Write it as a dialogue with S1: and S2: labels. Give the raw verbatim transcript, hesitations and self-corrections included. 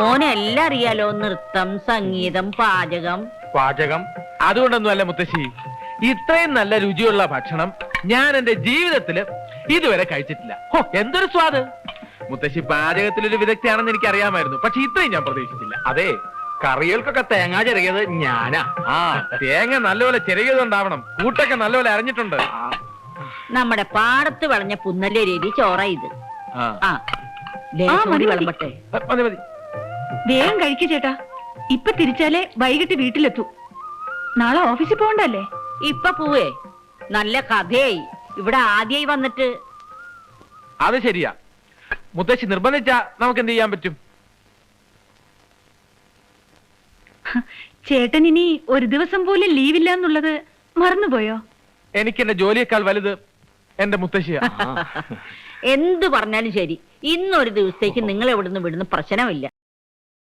S1: മോനെല്ലാം അറിയാലോ, നൃത്തം, സംഗീതം, പാചകം.
S2: പാചകം അതുകൊണ്ടൊന്നും അല്ല മുത്തശ്ശി, ഇത്രയും നല്ല രുചിയുള്ള ഭക്ഷണം ഞാൻ എന്റെ ജീവിതത്തില് ഇതുവരെ കഴിച്ചിട്ടില്ല. ഹോ, എന്തൊരു സ്വാദ്! മുത്തശ്ശി പാചകത്തിലൊരു വിദഗ്ധയാണെന്ന് എനിക്ക് അറിയാമായിരുന്നു, പക്ഷെ ഇത്രയും ഞാൻ പ്രതീക്ഷിച്ചില്ല.
S3: അതെ, കറികൾക്കൊക്കെ തേങ്ങ ചിരകിയത് ഞാനാ.
S2: ആ തേങ്ങ നല്ലപോലെ ചെറിയതുണ്ടാവണം, കൂട്ടൊക്കെ നല്ലപോലെ അറിഞ്ഞിട്ടുണ്ട്.
S1: നമ്മുടെ പാടത്ത് വിളഞ്ഞ പുന്നല്ലേ രീതി ചോറ ഇത്.
S2: ആ
S1: ആ ലേശം കൂടി വിളമ്പട്ടെ.
S2: മതി മതി.
S4: വേഗം കഴിക്കു ചേട്ടാ, ഇപ്പൊ തിരിച്ചാലേ വൈകിട്ട് വീട്ടിലെത്തൂ. നാളെ ഓഫീസിൽ പോകണ്ടല്ലേ?
S1: ഇപ്പൊ പോവേ, നല്ല കഥയായി. ഇവിടെ ആദ്യമായി വന്നിട്ട്.
S2: അത് ശരിയാ, മുത്തശ്ശി നിർബന്ധിച്ചാ നമുക്ക് എന്ത് ചെയ്യാൻ പറ്റും?
S4: ചേട്ടൻ ഇനി ഒരു ദിവസം പോലും ലീവില്ല എന്നുള്ളത് മറന്നുപോയോ?
S2: എനിക്ക് എന്റെ ജോലിയേക്കാൾ വലുത് എന്റെ മുത്തശ്ശിയാ.
S1: എന്തു പറഞ്ഞാലും ശരി, ഇന്നൊരു ദിവസത്തേക്ക് നിങ്ങൾ എവിടുന്ന് വിടുന്ന പ്രശ്നമില്ല.